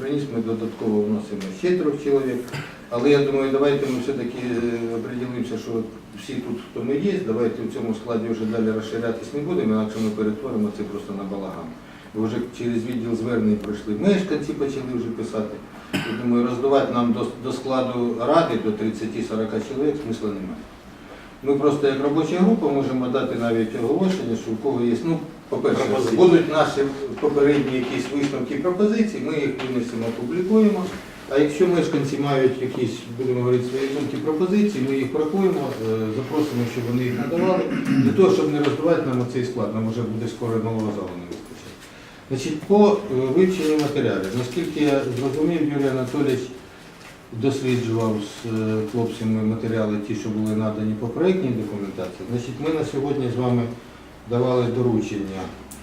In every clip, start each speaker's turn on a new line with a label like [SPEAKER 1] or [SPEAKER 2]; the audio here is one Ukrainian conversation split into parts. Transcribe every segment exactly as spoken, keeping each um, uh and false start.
[SPEAKER 1] приніс, ми додатково вносимо ще трьох чоловік. Але я думаю, давайте ми все-таки определимося, що всі тут, хто ми є, давайте в цьому складі вже далі розширятись не будемо, інакше ми перетворимо це просто на балаган. Бо вже через відділ звернень пройшли мешканці, почали вже писати. Я думаю, роздавати нам до, до складу ради до тридцяти-сорока чоловік смисла немає. Ми просто як робоча група можемо дати навіть оголошення, що у кого є, ну, по-перше, будуть наші попередні якісь висновки і пропозиції, ми їх винесемо, опублікуємо. А якщо мешканці мають якісь, будемо говорити, свої думки, пропозиції, ми їх врахуємо, запросимо, щоб вони їх надавали, для того, щоб не роздавати нам оцей склад, нам вже буде скоро нового залу не вистачить. Значить, по вивченню матеріалів, наскільки я зрозумів, Юрій Анатолійович досліджував з хлопцями матеріали, ті, що були надані по проєктній документації. Значить, ми на сьогодні з вами давали доручення,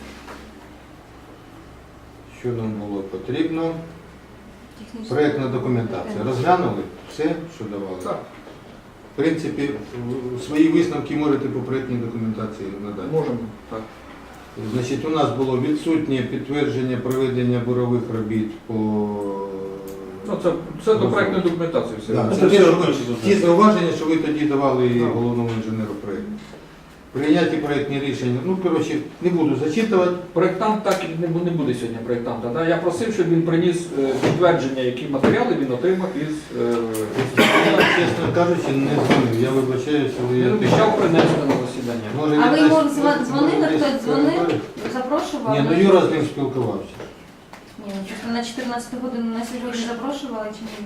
[SPEAKER 1] що нам було потрібно. Проєктна документація. Розглянули все, що давали?
[SPEAKER 2] Так.
[SPEAKER 1] В принципі, свої висновки можете по проєктній документації надати?
[SPEAKER 2] Можемо, так.
[SPEAKER 1] Значить, у нас було відсутнє підтвердження проведення бурових робіт по...
[SPEAKER 2] Ну, це, це до проєктної документації все.
[SPEAKER 1] Да,
[SPEAKER 2] Ну,
[SPEAKER 1] це
[SPEAKER 2] це
[SPEAKER 1] те,
[SPEAKER 2] все
[SPEAKER 1] що
[SPEAKER 2] робочі
[SPEAKER 1] ви-
[SPEAKER 2] зусилля.
[SPEAKER 1] ті зауваження, що ви тоді давали
[SPEAKER 2] Так.
[SPEAKER 1] головному інженеру проєкту. Прийняті проєктні рішення. Ну, коротше, не буду зачитувати.
[SPEAKER 2] Проєктант так і не бу- не буде сьогодні проєктанта. Да? Я просив, щоб він приніс е, підтвердження, які матеріали він отримав із... е, із-
[SPEAKER 1] Я, чесно кажучи, не дзвонив. Я вибачаюся, але я...
[SPEAKER 2] Він обіцяв принести на засідання.
[SPEAKER 1] Може,
[SPEAKER 3] А ви
[SPEAKER 1] він
[SPEAKER 3] йому
[SPEAKER 1] десь-
[SPEAKER 3] дзвон- дзвонили,
[SPEAKER 1] десь
[SPEAKER 3] хтось дзвонив,
[SPEAKER 1] переговорив?
[SPEAKER 3] запрошував?
[SPEAKER 1] Ні, ну Юра з ним спілкувався.
[SPEAKER 3] Ні, ну чесно, на чотирнадцяту годину на сьогодні запрошували чи ні?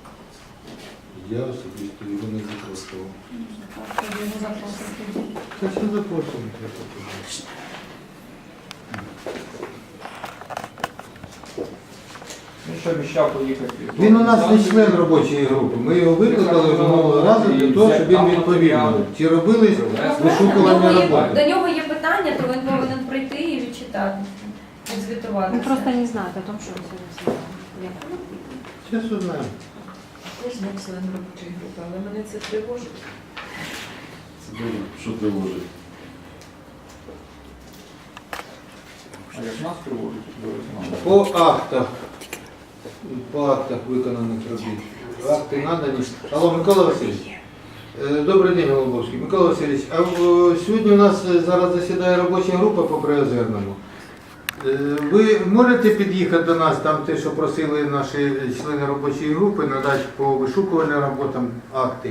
[SPEAKER 1] Я особисто його не запрошував.
[SPEAKER 3] Так, тоді його запросили.
[SPEAKER 1] Та що запрошував?
[SPEAKER 2] Він ще обіцяв поїхати.
[SPEAKER 1] Він у нас не член робочої групи. Ми його викликали минулого разу для того, щоб він відповів. Чи робили
[SPEAKER 3] Ну,
[SPEAKER 1] вишукування
[SPEAKER 3] до нього є-
[SPEAKER 1] роботи?
[SPEAKER 3] До нього є питання, то він повинен прийти і відчитати,
[SPEAKER 4] Вы
[SPEAKER 3] відзвітуватися.
[SPEAKER 4] просто не знаете о том, что он сегодня сделал.
[SPEAKER 1] Зараз узнаємо.
[SPEAKER 5] Я ж не член робочої групи, але мене це тривожить.
[SPEAKER 6] Що тривожить?
[SPEAKER 2] А як нас тривожить?
[SPEAKER 1] По актах. По актах виконаних робіт. Акти надані. Алло, Микола Васильович. Е, Добрий день, Голубовський. Микола Васильович, а о, сьогодні у нас зараз засідає робоча група по Приозерному. Е, Ви можете під'їхати до нас, там те, що просили наші члени робочої групи, надати по вишукувальним роботам акти?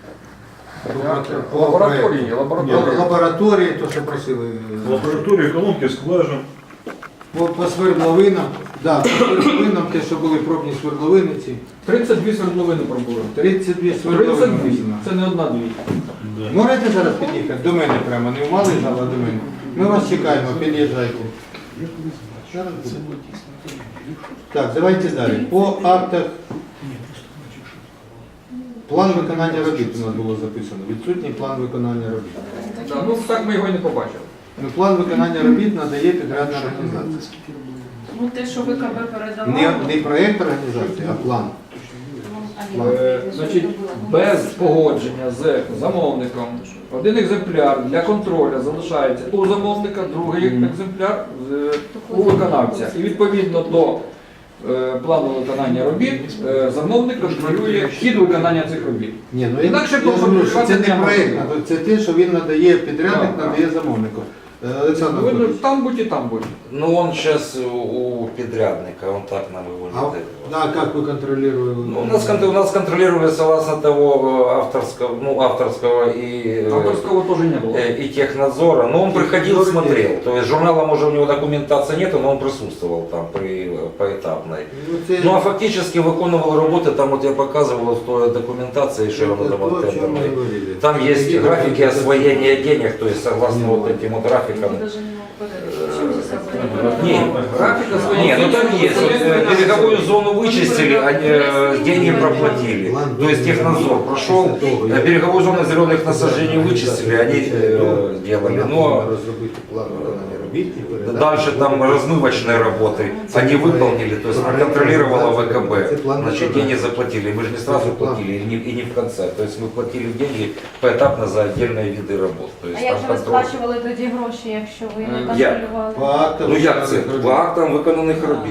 [SPEAKER 1] По
[SPEAKER 2] Лабораторії,
[SPEAKER 1] проекту.
[SPEAKER 2] лабораторії.
[SPEAKER 1] Лабораторії, то, що просили.
[SPEAKER 6] Лабораторія, колонки, скважин.
[SPEAKER 1] По, по свердловинам, да, по свердловинам, те, що були пробні свердловини ці.
[SPEAKER 2] тридцять дві свердловини пробули.
[SPEAKER 1] тридцять дві
[SPEAKER 2] тридцять
[SPEAKER 1] свердловини.
[SPEAKER 2] дві. Це не одна-дві.
[SPEAKER 1] Можете зараз під'їхати? До мене прямо, не в малий зал, а до мене. Ми вас чекаємо, під'їжджайте. Так, давайте далі. По актах план виконання робіт у нас було записано. Відсутній план виконання робіт.
[SPEAKER 2] Да, ну так ми його і не побачили.
[SPEAKER 1] Ну, план виконання робіт надає підрядна організація.
[SPEAKER 5] Ну те, що ви КБ передавали,
[SPEAKER 1] Не, не проєкт організації, а план.
[SPEAKER 2] Е, Значить, без погодження з замовником один екземпляр для контролю залишається у замовника, другий екземпляр з- у виконавця. І відповідно до е, плану виконання робіт е, замовник контролює хід виконання цих робіт.
[SPEAKER 1] Ні, ну я,
[SPEAKER 2] Інакше
[SPEAKER 1] я ж говорю, що це
[SPEAKER 2] контролювати
[SPEAKER 1] не
[SPEAKER 2] не
[SPEAKER 1] проєкт,
[SPEAKER 2] можна.
[SPEAKER 1] це те, що він надає підрядник,
[SPEAKER 2] Так,
[SPEAKER 1] надає замовнику. Е, Олександр
[SPEAKER 2] Ви
[SPEAKER 1] Анатолійович,
[SPEAKER 2] там будь і там будь.
[SPEAKER 7] Ну, он сейчас у подрядника, он так нам его
[SPEAKER 1] а,
[SPEAKER 7] не
[SPEAKER 1] да, як ви контролюєте?
[SPEAKER 7] Ну, у нас, кон- у нас контролировали согласно того э, авторского, ну, авторского и, э,
[SPEAKER 2] Авторського теж не було.
[SPEAKER 7] э, и технадзора, но он приходил, смотрел. То есть журнала, может, у него документации нету, но он присутствовал там при поэтапной.
[SPEAKER 1] Ну, це,
[SPEAKER 7] Ну, а фактически выполнял работы, там вот я показывал в той документации, что
[SPEAKER 1] це
[SPEAKER 7] он давал
[SPEAKER 1] то, о чому ми
[SPEAKER 7] тендерной.
[SPEAKER 1] говорили.
[SPEAKER 7] Там есть
[SPEAKER 1] Які
[SPEAKER 7] графики
[SPEAKER 1] документи?
[SPEAKER 7] освоения денег, то есть согласно вот этим вот графикам.
[SPEAKER 5] ми навіть не мог передати. Чим це саме?
[SPEAKER 7] Не,
[SPEAKER 2] Графіка своя.
[SPEAKER 7] Не, ну там есть. Вот, э, береговую зону вычистили, а э, деньги проплатили. То есть технадзор прошел, э, береговую зону зеленых насаждений вычистили, они э, сделали. Но
[SPEAKER 1] розробити план виконання робіт і передати.
[SPEAKER 7] дальше там размывочные работы они выполнили, то есть проконтролировала ВКБ. Значит, деньги заплатили. Мы же не сразу платили и не, и не в конце. То есть мы платили деньги поэтапно за отдельные виды работ. То
[SPEAKER 3] А
[SPEAKER 7] есть
[SPEAKER 3] як
[SPEAKER 7] там
[SPEAKER 3] же ви
[SPEAKER 7] контроль.
[SPEAKER 3] сплачували тоді гроші, якщо ви не
[SPEAKER 2] Е,
[SPEAKER 7] як?
[SPEAKER 3] контролювали?
[SPEAKER 1] По актам
[SPEAKER 7] Ну як це?
[SPEAKER 1] виконаних робіт.
[SPEAKER 7] По актам виконаних робіт.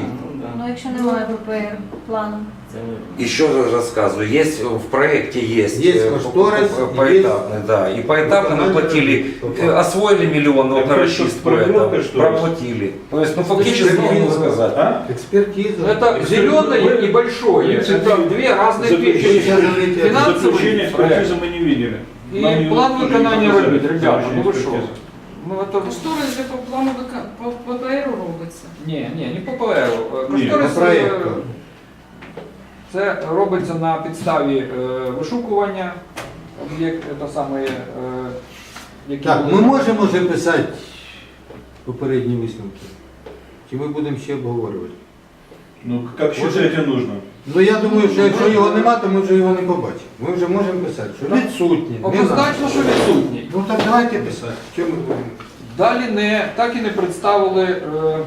[SPEAKER 3] Ну, якщо немає ППР плану.
[SPEAKER 7] Еще раз рассказываю, есть в проекте есть,
[SPEAKER 1] Есть
[SPEAKER 7] э,
[SPEAKER 1] кошторис,
[SPEAKER 7] по- по- поэтапный, да, и поэтапно мы платили, э, освоили миллион вот на
[SPEAKER 6] Так,
[SPEAKER 7] расчистку
[SPEAKER 6] это
[SPEAKER 7] этого,
[SPEAKER 6] кошторис.
[SPEAKER 7] проплатили. То есть, ну фактически можно сказать.
[SPEAKER 6] А?
[SPEAKER 1] Экспертиза.
[SPEAKER 2] Это зеленое и большое. Это две разные
[SPEAKER 1] Вы
[SPEAKER 2] вещи.
[SPEAKER 1] сейчас говорите,
[SPEAKER 2] Финансовый
[SPEAKER 6] Заключение
[SPEAKER 2] проект
[SPEAKER 6] экспертизы мы не видели.
[SPEAKER 2] и
[SPEAKER 6] Нам ее
[SPEAKER 2] план
[SPEAKER 6] тоже не
[SPEAKER 2] виконання
[SPEAKER 6] показали,
[SPEAKER 2] робіт. Ребята, ну ви що?
[SPEAKER 6] заключение экспертизы.
[SPEAKER 2] Ну это...
[SPEAKER 5] Кошторис же по плану ВК- по ППРу робиться.
[SPEAKER 2] Ні, ні, не по ППР.
[SPEAKER 6] Ні,
[SPEAKER 2] Кошторис
[SPEAKER 1] по проекту.
[SPEAKER 2] е, це робиться на підставі е, вишукування, як це саме, е, які
[SPEAKER 1] Так,
[SPEAKER 2] були-
[SPEAKER 1] ми можемо вже писати попередні висновки? Чи ми будемо ще обговорювати?
[SPEAKER 6] Ну, как считаете нужно?
[SPEAKER 1] Ну я думаю, що якщо його нема, то ми вже його не побачимо. Ми вже можемо писати, що відсутні. не
[SPEAKER 2] Однозначно,
[SPEAKER 1] надо.
[SPEAKER 2] що відсутній.
[SPEAKER 1] Ну так давайте писати. Чому ми будемо?
[SPEAKER 2] Далі не, так і не представили е,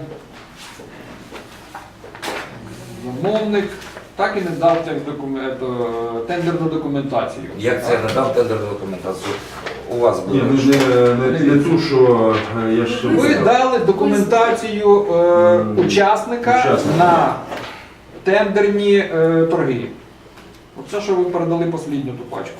[SPEAKER 2] замовник, так і не дав тех документ, е, тендерну документацію.
[SPEAKER 7] Я це надав тендерну документацію. У вас
[SPEAKER 8] Ні,
[SPEAKER 7] буде.
[SPEAKER 8] ну не, не, не ту, що е, я ж...
[SPEAKER 2] Ви дали документацію е, учасника
[SPEAKER 8] Учасника.
[SPEAKER 2] на тендерні е, торги. Оце, що ви передали послідню ту пачку.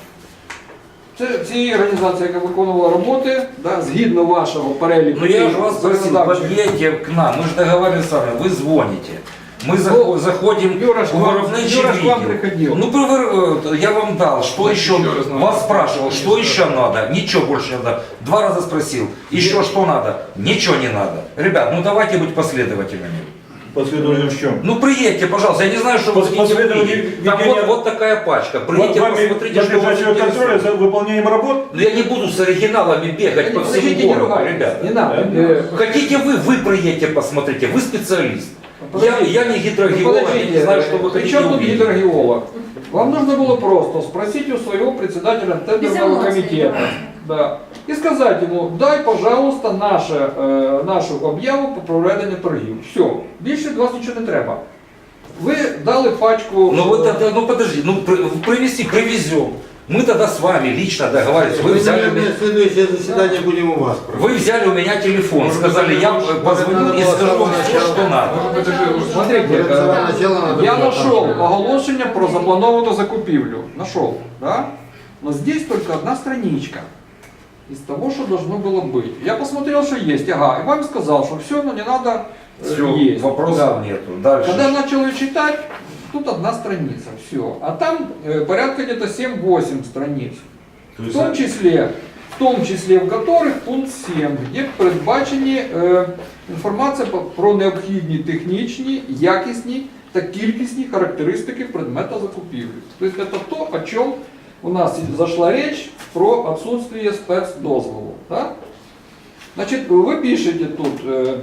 [SPEAKER 2] Це цієї організації, яка виконувала роботи, да, згідно вашого переліку.
[SPEAKER 7] Ну я же вас просил,
[SPEAKER 2] законодавчих.
[SPEAKER 7] подъедьте к нам, мы же договаривались с вами, вы звоните. Мы захо- заходим
[SPEAKER 2] Юра ж
[SPEAKER 7] в
[SPEAKER 2] вам-
[SPEAKER 7] виробничий
[SPEAKER 2] Юра ж вам
[SPEAKER 7] відділ.
[SPEAKER 2] приходил.
[SPEAKER 7] Ну, привер- э, я вам дал, что еще, вас спрашивал, что еще надо, ничего больше не надо. Два раза спросил, еще что надо, ничего не надо. Ребят, ну давайте быть последовательными.
[SPEAKER 6] Последовательно в чем?
[SPEAKER 7] Ну приедьте, пожалуйста, я не знаю, что вы
[SPEAKER 6] Пос-
[SPEAKER 7] хотите
[SPEAKER 6] последовательно
[SPEAKER 7] увидеть. Там
[SPEAKER 6] ведения-
[SPEAKER 7] вот, вот такая пачка, приедьте,
[SPEAKER 6] Вами
[SPEAKER 7] посмотрите, что вас
[SPEAKER 6] подлежащего контроля
[SPEAKER 7] интересует.
[SPEAKER 6] за выполнением работ?
[SPEAKER 7] Ну я не буду с оригиналами бегать по всему
[SPEAKER 2] Подождите, не
[SPEAKER 7] городу,
[SPEAKER 2] ругайтесь,
[SPEAKER 7] ребят.
[SPEAKER 2] не надо.
[SPEAKER 6] Да?
[SPEAKER 2] Э,
[SPEAKER 7] Хотите вы, вы приедете, посмотрите, вы специалист. Я,
[SPEAKER 2] Подождите.
[SPEAKER 7] я не гидрогеолог, я
[SPEAKER 2] Подождите,
[SPEAKER 7] не знаю, что вы
[SPEAKER 2] при
[SPEAKER 7] хотите
[SPEAKER 2] чем тут
[SPEAKER 7] увидеть.
[SPEAKER 2] гидрогеолог? Вам нужно было просто спросить у своего председателя
[SPEAKER 3] Без
[SPEAKER 2] тендерного
[SPEAKER 3] эмоций,
[SPEAKER 2] комитета. Да. И сказать ему, дай, пожалуйста, наше, э, нашу об'яву по проведенню торгів. Все, більше від вас нічого не треба. Ви дали пачку...
[SPEAKER 7] Ну вот это, ну подожди, ну при- привези, привезем. Мы тогда с вами лично договаривались. Вы
[SPEAKER 1] Ми,
[SPEAKER 7] взяли, у
[SPEAKER 1] наверное,
[SPEAKER 7] меня-
[SPEAKER 1] следующее засідання будемо у вас проводити.
[SPEAKER 7] вы взяли у меня телефон, сказали, я позвоню и скажу вам все, что надо.
[SPEAKER 2] Смотрите,
[SPEAKER 1] Перед
[SPEAKER 2] э,
[SPEAKER 1] самого начала надо
[SPEAKER 2] я
[SPEAKER 1] было
[SPEAKER 2] нашел
[SPEAKER 1] там-
[SPEAKER 2] оголошення про запланованную закупівлю. Нашел, да? Но здесь только одна страничка из того, что должно было быть. Я посмотрел, что есть, ага, и вам сказал, что все, но не надо, э,
[SPEAKER 7] Все,
[SPEAKER 2] есть.
[SPEAKER 7] вопросов
[SPEAKER 2] Да.
[SPEAKER 7] нету. Дальше.
[SPEAKER 2] Когда я начал ее читать, тут одна страница, все. А там э, порядка где-то семь-восемь страниц.
[SPEAKER 6] То
[SPEAKER 2] В
[SPEAKER 6] есть,
[SPEAKER 2] том числе, в том числе в которых пункт сім, де передбачені е, інформація по- про необхідні технічні, якісні та кількісні характеристики предмета закупівлі. Тобто це то, о чому у нас зайшла річ про отсутствие спецдозволу. Да? Значит, вы пишете тут, э,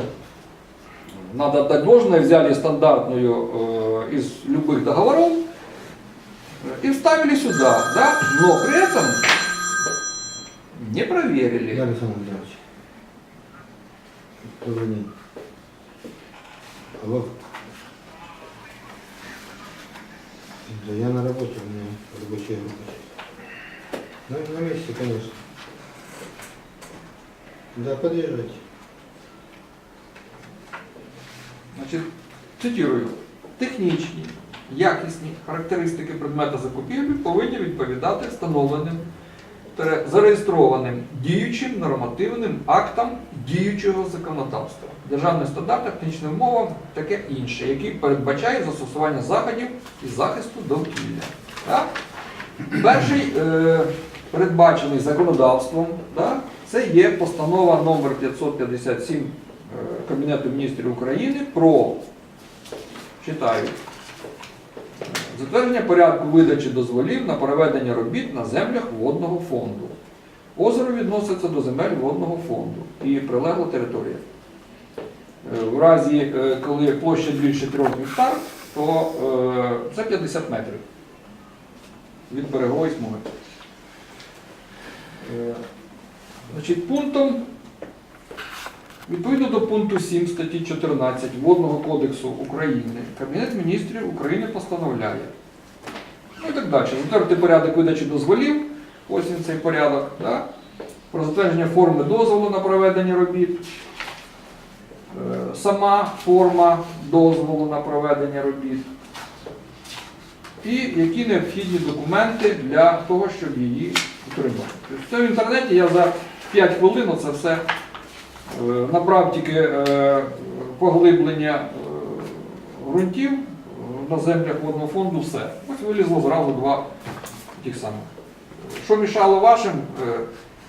[SPEAKER 2] надо отдать должное, взяли стандартную э, из любых договоров э, и вставили сюда, да? Но при этом не проверили.
[SPEAKER 1] Я Александр Андреевич. Добрый день. Алло. Да я на работе, у меня рабочая группа. Ну, на месте, конечно. Да, подъезжайте.
[SPEAKER 2] Значить, цитую. Технічні, якісні характеристики предмета закупівлі повинні відповідати встановленим, тере- зареєстрованим діючим нормативним актам діючого законодавства, державним стандартам, технічним мовам, таке інше, які передбачають застосування заходів із захисту довкілля. Так? Перший е, передбачений законодавством, так, це є постанова номер п'ятсот п'ятдесят сім е, Кабінету міністрів України про, читаю, затвердження порядку видачі дозволів на проведення робіт на землях водного фонду. Озеро відноситься до земель водного фонду і прилегла територія. Е, В разі, е, коли площа більше трьох гектар, то е, це п'ятдесят метрів від берегової смуги. Е, Значить, пунктом, відповідно до пункту сім статті чотирнадцять Водного кодексу України, Кабінет міністрів України постановляє. Ну і так далі. Затвердити порядок видачі дозволів, ось він цей порядок, да? Про затвердження форми дозволу на проведення робіт. Е, Сама форма дозволу на проведення робіт, і які необхідні документи для того, щоб її отримати. Тобто це в інтернеті я за п'ять хвилин це все е, набрав тільки е, поглиблення е, ґрунтів е, на землях водного фонду, все. Ось вилізло зразу два тих самих. Що мішало вашим, е,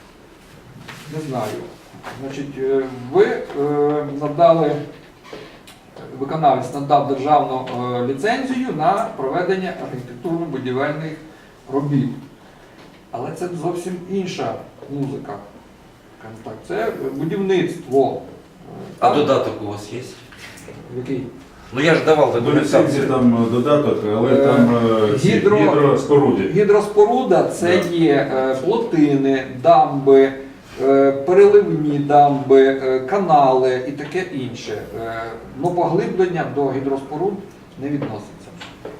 [SPEAKER 2] не знаю. Значить, е, ви е, надали, виконавець надав державну е, ліцензію на проведення архітектурно-будівельних робіт. Але це зовсім інша музика. Скажімо так, це будівництво.
[SPEAKER 7] А
[SPEAKER 2] Там-
[SPEAKER 7] додаток у вас есть?
[SPEAKER 2] Який?
[SPEAKER 7] Ну я ж давал
[SPEAKER 6] До ліцензії
[SPEAKER 7] документацию.
[SPEAKER 6] там додаток, але
[SPEAKER 2] Е,
[SPEAKER 6] там е, ці
[SPEAKER 2] гідро-
[SPEAKER 6] гідроспоруди.
[SPEAKER 2] Гідроспоруда це
[SPEAKER 6] Да.
[SPEAKER 2] є е, плотини, дамби, е, переливні дамби, е, канали і таке інше. Е, Но поглиблення до гідроспоруд не відноситься.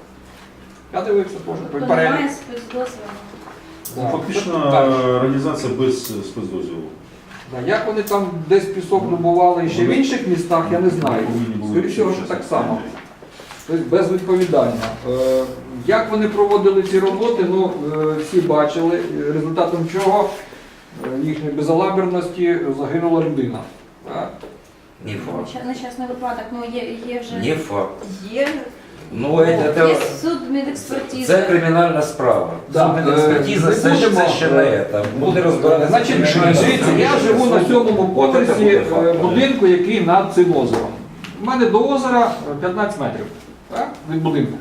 [SPEAKER 2] Я дивився теж
[SPEAKER 3] Тобто
[SPEAKER 2] перелік.
[SPEAKER 3] немає спецдозволу.
[SPEAKER 2] Да.
[SPEAKER 6] Фактично
[SPEAKER 2] Так.
[SPEAKER 6] організація без спецдозволу.
[SPEAKER 2] Да, як вони там десь пісок добували і ще в інших містах, я не знаю.
[SPEAKER 6] Повинні були
[SPEAKER 2] Скоріше всього, що
[SPEAKER 6] чесно.
[SPEAKER 2] так само. Тобто безвідповідально. Е, Як вони проводили ці роботи, ну, е, всі бачили, е, результатом чого е, їхньої безалаберності загинула людина. Так.
[SPEAKER 7] Не факт.
[SPEAKER 3] Ща- Нещасний випадок, ну є, є вже
[SPEAKER 7] Не факт.
[SPEAKER 3] є,
[SPEAKER 7] Ну, это,
[SPEAKER 3] є
[SPEAKER 7] это,
[SPEAKER 3] суд медекспертизи.
[SPEAKER 7] це кримінальна справа.
[SPEAKER 2] Да,
[SPEAKER 7] Судмедекспертиза,
[SPEAKER 2] е,
[SPEAKER 7] це,
[SPEAKER 2] не
[SPEAKER 7] це
[SPEAKER 2] будемо,
[SPEAKER 7] ще не це. Буде розбиратися.
[SPEAKER 2] Значить,
[SPEAKER 7] кримінальна
[SPEAKER 2] дивіться,
[SPEAKER 7] справа.
[SPEAKER 2] я живу на сьомому
[SPEAKER 7] От це
[SPEAKER 2] поверсі
[SPEAKER 7] буде
[SPEAKER 2] е,
[SPEAKER 7] факт.
[SPEAKER 2] будинку, який над цим озером. У мене до озера п'ятнадцять метрів, так, від будинку.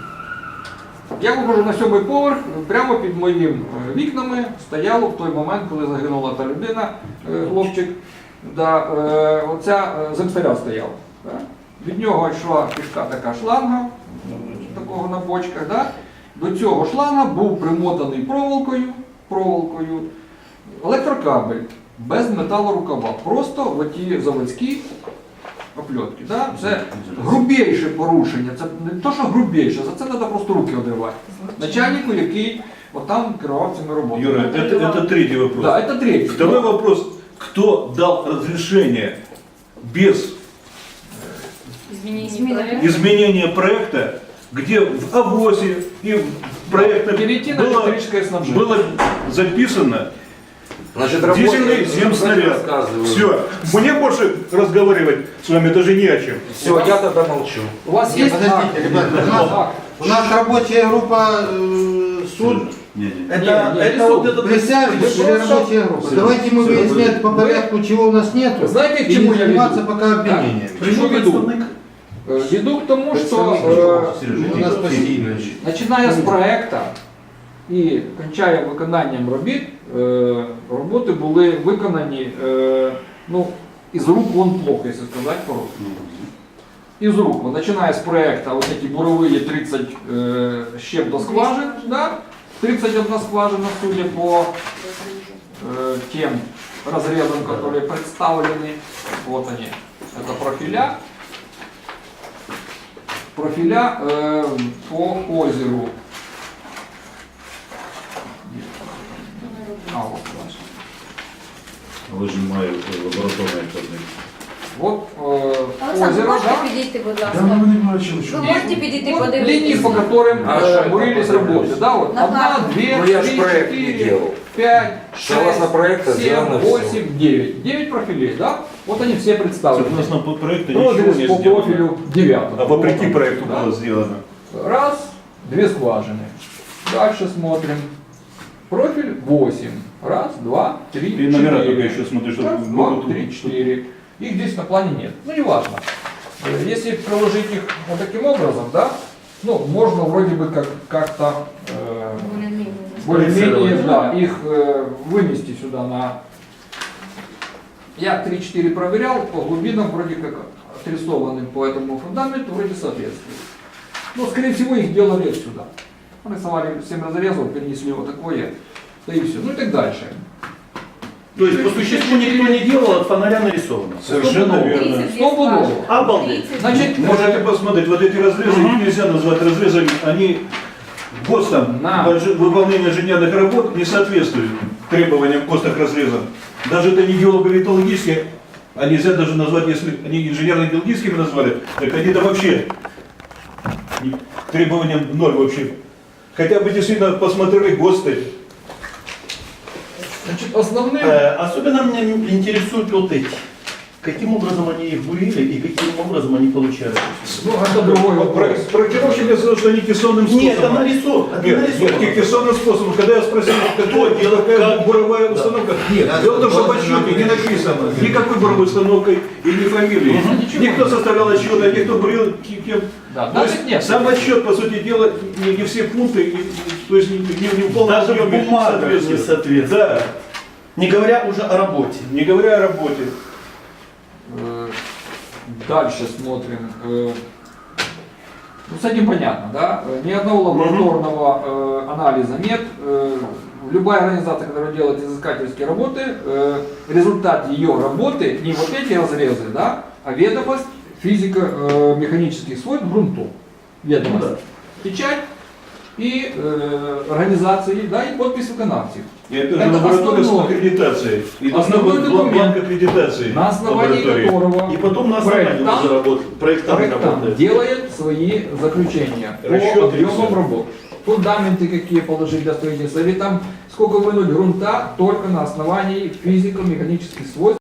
[SPEAKER 2] Я виходжу на сьомий поверх, прямо під моїм е, вікнами стояло в той момент, коли загинула та людина, е, хлопчик, да, е, оця е, земстаря стояв. Так. Від нього йшла пішка така шланга, такого на бочках. Да. До цього шланга був примотаний проволокою, проволокою електрокабель без металорукава. Просто в оті заводські опльотки. Да? Це грубіше порушення. Це не то, що грубіше, за це треба просто руки одривати. Начальнику, який отам керував цими роботами.
[SPEAKER 6] Юра, это, это третий вопрос.
[SPEAKER 2] Да, це третє.
[SPEAKER 6] Второй вопрос. Кто дал разрешение без
[SPEAKER 5] Змінення проекту.
[SPEAKER 6] изменения проекта, где в АВОСе и в проектах
[SPEAKER 2] Перейти на
[SPEAKER 6] было,
[SPEAKER 2] электрическое снабжение.
[SPEAKER 6] было записано
[SPEAKER 7] Значит,
[SPEAKER 6] дизельный земснаряд. Все. Мне больше разговаривать с вами даже не о чем.
[SPEAKER 7] Все, я тогда молчу.
[SPEAKER 2] У вас
[SPEAKER 1] Нет,
[SPEAKER 2] є
[SPEAKER 1] подождите,
[SPEAKER 2] акт?
[SPEAKER 1] ребята, у нас-
[SPEAKER 2] Акт.
[SPEAKER 1] У нас рабочая группа э, суд.
[SPEAKER 6] Не, не.
[SPEAKER 2] Это- это вот этот-
[SPEAKER 1] Присяжных
[SPEAKER 2] Вы
[SPEAKER 1] или
[SPEAKER 2] просто-
[SPEAKER 1] рабочая группа?
[SPEAKER 6] Всё.
[SPEAKER 1] Давайте мы
[SPEAKER 6] Всё,
[SPEAKER 1] выяснять по
[SPEAKER 2] вы-
[SPEAKER 1] порядку, чего у нас нету.
[SPEAKER 2] Знаете, к
[SPEAKER 1] и
[SPEAKER 2] чему
[SPEAKER 1] не
[SPEAKER 2] я
[SPEAKER 1] заниматься
[SPEAKER 2] веду?
[SPEAKER 1] пока обвинениями.
[SPEAKER 2] К чему веду? Е, Веду к тому, що е,
[SPEAKER 6] Сережа,
[SPEAKER 1] У нас постійно.
[SPEAKER 2] починає з проекту і кінчає виконанням робіт, е, роботи були виконані е, ну, із рук вон плохо, якщо сказати по-русски. Із рук. Бо починає з проекту, ось такі бурові тридцять е, щеп до скважин, да? тридцать одна скважина, судя по э, тем разрезам, которые представлены. Вот они. Это профиля. Профиля э, по озеру. А, вот, значит.
[SPEAKER 6] Выжимаю лабораторные координаты.
[SPEAKER 2] Вот э,
[SPEAKER 3] Олександр,
[SPEAKER 2] озеро,
[SPEAKER 3] можете
[SPEAKER 2] да?
[SPEAKER 3] підійти, будь
[SPEAKER 6] Да,
[SPEAKER 3] ласка?
[SPEAKER 6] мы не бачили, что.
[SPEAKER 3] Ви можете підійти
[SPEAKER 2] Вот линии,
[SPEAKER 3] подивитися?
[SPEAKER 2] по которым
[SPEAKER 7] А
[SPEAKER 2] э,
[SPEAKER 7] что
[SPEAKER 2] бурились
[SPEAKER 7] это?
[SPEAKER 2] работы. Да, вот
[SPEAKER 3] На
[SPEAKER 2] одна,
[SPEAKER 3] карте.
[SPEAKER 2] две,
[SPEAKER 7] Ну, я ж
[SPEAKER 2] три,
[SPEAKER 7] проект не
[SPEAKER 2] четыре,
[SPEAKER 7] делал.
[SPEAKER 2] пять,
[SPEAKER 7] Согласно
[SPEAKER 2] шесть,
[SPEAKER 7] проекту
[SPEAKER 2] семь,
[SPEAKER 7] сделано всё.
[SPEAKER 2] восемь, девять. Девять профилей, да? Вот они все представлены.
[SPEAKER 6] Согласно по проекту ничего
[SPEAKER 2] Прозрез
[SPEAKER 6] не
[SPEAKER 2] по
[SPEAKER 6] сделано.
[SPEAKER 2] профилю девятого.
[SPEAKER 6] А вопреки
[SPEAKER 2] Вот он,
[SPEAKER 6] проекту
[SPEAKER 2] да?
[SPEAKER 6] было сделано.
[SPEAKER 2] Раз, две скважины. Дальше смотрим. Профиль восемь. Раз, два, три,
[SPEAKER 6] Ты номера только
[SPEAKER 2] четыре.
[SPEAKER 6] еще смотришь, чтобы
[SPEAKER 2] Раз, два,
[SPEAKER 6] могут-
[SPEAKER 2] три, четыре. Их здесь на плане нет. Ну, неважно. Э, Если приложить их вот таким образом, да, ну, можно вроде бы как, как-то э, более-менее, да, их э, вынести сюда на... Я три-четыре проверял, по глубинам вроде как отрисованы по этому фундаменту, вроде соответствует. Но, скорее всего, их делали сюда. Нарисовали семь разрезов, перенесли вот такое, да и все. Ну и так дальше.
[SPEAKER 6] То есть по существу никто не делал, от фонаря нарисовано. Совершенно
[SPEAKER 2] Стопудово.
[SPEAKER 6] верно.
[SPEAKER 2] Стопудово.
[SPEAKER 6] Обалдеть.
[SPEAKER 2] Значит,
[SPEAKER 6] Можете посмотреть, вот эти разрезы, их нельзя назвать разрезами, они ГОСТом,
[SPEAKER 2] На.
[SPEAKER 6] больш- выполнение инженерных работ не соответствует требованиям ГОСТовых разрезов. Даже это не геолого-металлургические, а нельзя даже назвать, если они инженерно-геологическими назвали, так они-то вообще не- требованиям ноль вообще. Хотя бы действительно посмотрели ГОСТы.
[SPEAKER 2] Значит, основным
[SPEAKER 9] Э, Особенно меня интересуют вот эти. Каким образом они их бурили и каким образом они получали?
[SPEAKER 2] ну, это другой
[SPEAKER 6] Про-
[SPEAKER 2] вопрос.
[SPEAKER 6] Проектировщик мне сказал, что они кессонным способом.
[SPEAKER 9] Нет, это нарисовано. Это
[SPEAKER 6] Нет, нет,
[SPEAKER 9] нарисовано.
[SPEAKER 6] кессонным способом. Когда я спросил, кто делает, какая буровая установка, нет,
[SPEAKER 1] Да.
[SPEAKER 6] дело в том, что в отчете не написано никакой буровой установкой и ни фамилии. Никто составлял отчет, а никто бурил ки- кем.
[SPEAKER 2] Да,
[SPEAKER 6] То есть
[SPEAKER 2] данных нет.
[SPEAKER 6] сам отчет, по сути дела, не, не все пункты, и- и- то есть не, не, не в полном
[SPEAKER 9] Даже в
[SPEAKER 6] объеме
[SPEAKER 9] бумагах не
[SPEAKER 6] соответствует.
[SPEAKER 9] соответствует.
[SPEAKER 6] Да,
[SPEAKER 9] Не говоря уже о работе.
[SPEAKER 6] не говоря о работе.
[SPEAKER 2] Э, Дальше смотрим. Э, Ну, с этим понятно, да? Э, Ни одного лабораторного э, анализа нет. Э, Любая организация, которая делает изыскательские работы, э, результат ее работы не вот эти разрезы, да, а ведомость физико-механических свойств грунтов. Ведомость. Печать и э, организации, да, и подпись виконавців.
[SPEAKER 6] И это,
[SPEAKER 2] Это
[SPEAKER 6] же лаборатория с
[SPEAKER 2] основной-
[SPEAKER 6] аккредитацией. И должна
[SPEAKER 2] основной
[SPEAKER 6] быть
[SPEAKER 2] документ,
[SPEAKER 6] бланк аккредитации
[SPEAKER 2] На основании
[SPEAKER 6] лаборатории.
[SPEAKER 2] которого
[SPEAKER 9] И потом на основании
[SPEAKER 2] проектант-
[SPEAKER 9] уже работает. Проектант
[SPEAKER 2] проектант
[SPEAKER 9] работает.
[SPEAKER 2] делает свои заключения по
[SPEAKER 6] Расчеты и
[SPEAKER 2] объемам
[SPEAKER 6] всё.
[SPEAKER 2] работ. Фундаменты какие положить для строительства, или там сколько вынуть грунта только на основании физико-механических свойств